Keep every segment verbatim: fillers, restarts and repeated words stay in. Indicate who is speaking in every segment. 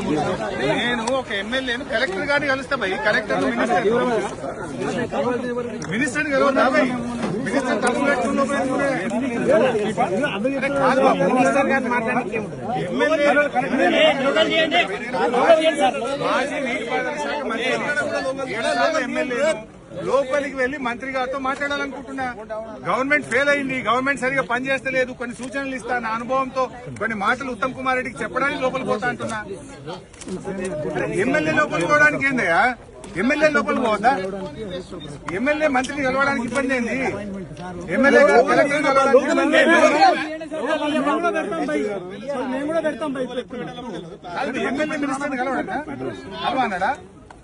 Speaker 1: నేను ఒక ఎమ్మెల్యేను కలెక్టర్ గారిని కలుస్తా భయ్. కలెక్టర్ మినిస్టర్ మినిస్టర్ కలవద్దా భయ్? మినిస్టర్ తప్పు పెట్టుకున్న కాదు బాబు. మినిస్టర్ గారు మాట్లాడి ఎమ్మెల్యే మాజీ నీటిపారుదల శాఖ మంత్రి ఏడాది ఎమ్మెల్యే లోపలికి వెళ్లి మంత్రి గారితో మాట్లాడాలనుకుంటున్నా. గవర్నమెంట్ ఫెయిల్ అయింది, గవర్నమెంట్ సరిగా పనిచేస్తలేదు, కొన్ని సూచనలు ఇస్తా నా అనుభవంతో కొన్ని మాటలు ఉత్తమ్ కుమార్ రెడ్డికి చెప్పడానికి లోపలికి పోతా అంటున్నా. ఎమ్మెల్యే లోపలికి పోవడానికి ఏందయ్యా? ఎమ్మెల్యే లోపలికి పోవద్దా? ఎమ్మెల్యే మంత్రిని కలవడానికి ఇబ్బంది ఏంది? ఎమ్మెల్యే కలెక్టర్ కలవడానికి ఎమ్మెల్యే మినిస్టర్ని కలవడా కలవన్నాడా?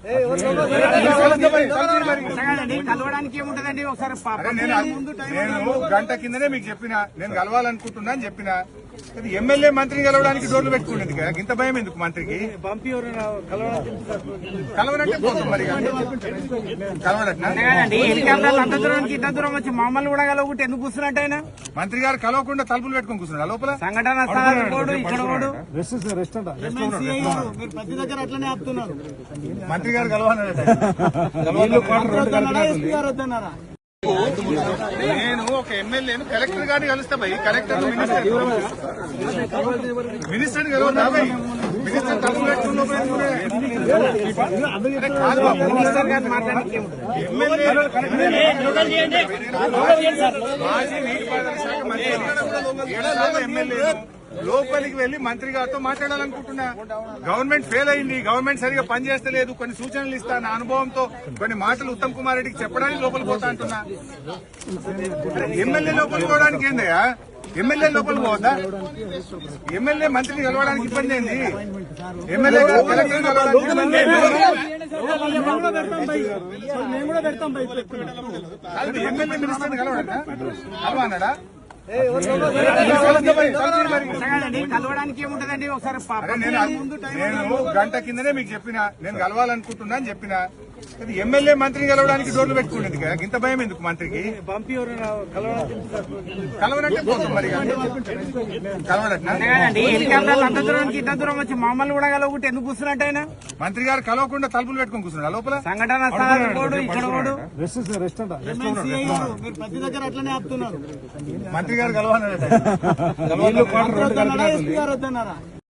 Speaker 2: కలవడానికి ఏముంటదండి? ఒకసారి
Speaker 1: నేను గంట కిందనే మీకు చెప్పిన నేను కలవాలనుకుంటున్నా అని చెప్పిన. ఎమ్మెల్యే మంత్రిని కలవడానికి డోర్లు పెట్టుకునేది కదా, ఇంత భయం ఎందుకు మంత్రికి? కలవనంటే పోతాం మరి. కలవడట్నా?
Speaker 2: హెలికాప్టర్ అంత దూరానికి ఇంత దూరం వచ్చి మమ్మల్ని కూడా కలవకుంటే ఎందుకు కూర్చున్నట్టు ఆయన?
Speaker 1: మంత్రి గారు కలవకుండా తలుపులు పెట్టుకుని కూర్చున్నాడు లోపల.
Speaker 2: సంఘటన ఇక్కడ
Speaker 1: మంత్రి గారు కలవన్నారట. నేను ఒక ఎమ్మెల్యేను కలెక్టర్ గారిని కలుస్తా భయ్. కలెక్టర్ మినిస్టర్ మినిస్టర్ కలవద్దా భయ్? మినిస్టర్ తప్పు పెట్టుకున్న కాదు బాబు.
Speaker 2: మినిస్టర్ గారు మాట్లాడి
Speaker 1: ఎమ్మెల్యే మాజీ నీటిపారుదల శాఖ మంత్రి ఏడాది ఎమ్మెల్యే లోపలికి వెళ్లి మంత్రి గారితో మాట్లాడాలనుకుంటున్నా. గవర్నమెంట్ ఫెయిల్ అయింది, గవర్నమెంట్ సరిగా పనిచేస్తలేదు, కొన్ని సూచనలు ఇస్తా నా అనుభవంతో కొన్ని మాటలు ఉత్తమ్ కుమార్ రెడ్డికి చెప్పడానికి లోపలికి పోతా అంటున్నా. ఎమ్మెల్యే లోపలికి పోవడానికి ఏందయ్యా? ఎమ్మెల్యే లోపలికి పోవద్దా? ఎమ్మెల్యే మంత్రిని కలవడానికి ఇబ్బంది ఏంది? ఎమ్మెల్యే కలెక్టర్ ఎమ్మెల్యే మినిస్టర్ని కలవడా కలవన్నాడా?
Speaker 2: కలవడానికి ఏముంటదండి? ఒకసారి
Speaker 1: నేను గంట కిందనే మీకు చెప్పిన నేను కలవాలనుకుంటున్నా అని చెప్పిన. ఎమ్మెల్యే మంత్రిని కలవడానికి డోర్లు పెట్టుకునేది కదా, ఇంత భయం ఎందుకు మంత్రికి? కలవనంటే పోతాం మరి. కలవడట్నా?
Speaker 2: హెలికాప్టర్ అంత దూరానికి ఇంత దూరం వచ్చి మమ్మల్ని కూడా కలవకుంటే ఎందుకు కూర్చున్నట్టు ఆయన?
Speaker 1: మంత్రి గారు కలవకుండా తలుపులు పెట్టుకుని కూర్చున్నాడు లోపల.
Speaker 2: సంఘటన ఇక్కడ
Speaker 1: మంత్రి గారు కలవన్నారట.